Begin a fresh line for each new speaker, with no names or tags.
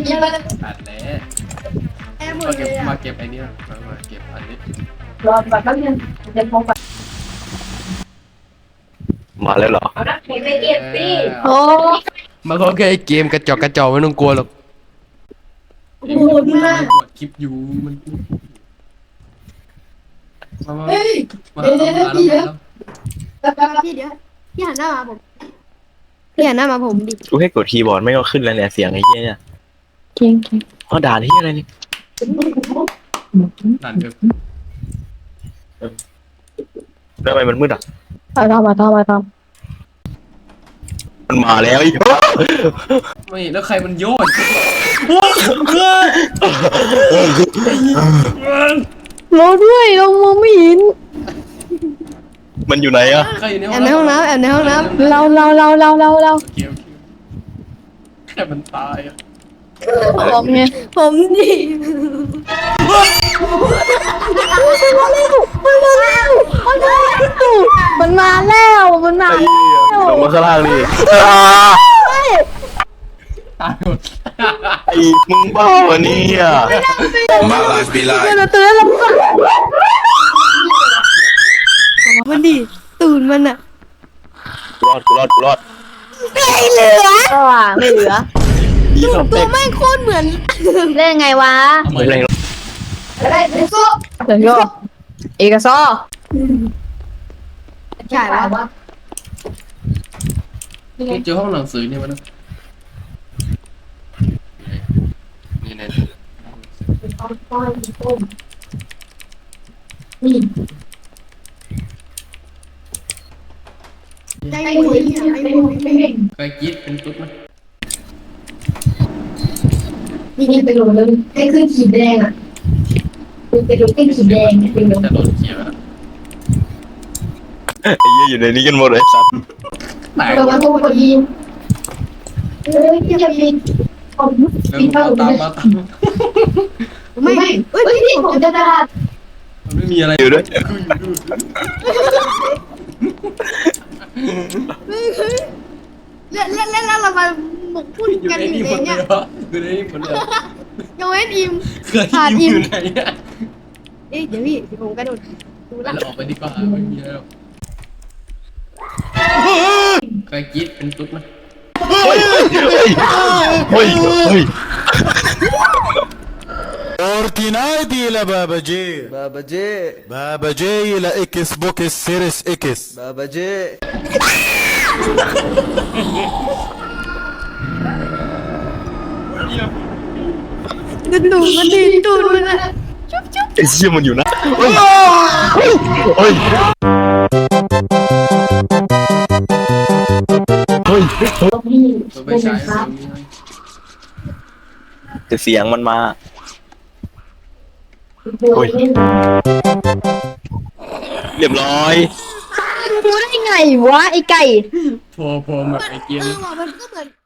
กินมาเลย
อัดแล้ว
แอร์หม
มา
ดเล
เก็บ
ยอ่ะ
มาเก็บไอ้นี่มาเก็บอันนี้
รอก่อนแป๊บนึงเดี๋ยวผมก่อน
มาแล้วเหรอ
เอาละเก็บไปเก็บสิโอ้
มันก็แค่เกมกระจอกไม่ต้องกลัวหรอก
โหดมาก
กดคลิปอยู่มันมา
เฮ้ย
มา
เดี๋ยว
แล้ว
พี่เดี๋ยวพี่หันหน้ามาผมพี่หันหน้ามาผมดิ
กูให้กดคีย์บอร์ดไม่ก็ขึ้นแล้วเนี่ยเสียงไอ้เหี้ยเนี่ย
เก่ง
อ๋อด่าที่อะไรนี่
นั่นเถอะ
ทำไมมันมืดอ่ะ
มาทำ
มันมาแล้วอีก
ไม่แล้วใครมันโยน
เราด้วยเรามองไม่เห็น
มันอยู่ไหนอ่ะ
ใครอยู่ใน
แอ
ห้อบ ง
ในห้องน้ำแอบในห้องน้ำเรา
เกมแค่มันตายอ่ะ
ผมไงผมดิมันมาแล้ว
ไอ้เหี้ยลงมาข้างล่างดิ
ตายหมด
ไอ้มึงบ้าวะเนี่ย
My life be
เตือน
like
เราเตือนเรามันดิตูนมันอะ
กูรอด
ไม่เหลือไม่เหลือ
ยี่สิบ
ตั
เด็
ว
ก
ไม่โคตรเหมือนเล่นไงวะ
เอาใหม่
แรง
ได้เดี๋ยวเอกซอใช่ปะ
นี่เจอห้องหนังสือนี่มันนี่เนี่ย
ได้หมด
ใครกรีดเป็นตุ๊ดไหม
นี่ไปดูเลยให้ขึ้นขีดแดงอ่ะไปดูขึ้นขีดแดงไปดู
แต่โดนเขียวแล้ว
ไอ้เหี้ยอยู่ในนี้กันหมดเลยสัตว์
แตก
เรามาพูดพอดีเฮ้ยอย่าปิดผม
แล้ว
ปิด
มา
ผ้าผม
ตาม
เลย
มาตาม
ไม่เฮ้ยนี่ผมจะด่า
มันไม่มีอะไร
อยู่ด้วย
เล่นเรามาหมกพุ่น
อยู่
กัน
ใน
อ
นี่
ยู่
หม
ใน
ดเล
เนี่ย
ยวะอยู่ในนี่หมดเลย
ยังเว้นอิม
เคยยิ้มอยู่ไหนอ่ะ
เอ๊ะเดี๋ยวพี่ผมกระโดดดูละ
เราออกไปดีกว่าไม่มีอะไรหรอกใครกรีดเป็นตุ๊ดไหม
เฮ้ย
اورتينايدي لبابا جي بابا جي لاكس بوكس سيريس اكس بابا جي
ดูมันดิดูมันอะ
ไอ้เหี้ยมันอยู่นะเฮ้ยเฮ้ย
พี่
ตัวไป
เป็น
ใช้
ครับ
แต่เสียงมันมา
โอ้ย
เรียบร้อย
ดูได้ไงวะไอ้ไก่
พอแบบไอ้เกียร์
มันก็เหมือน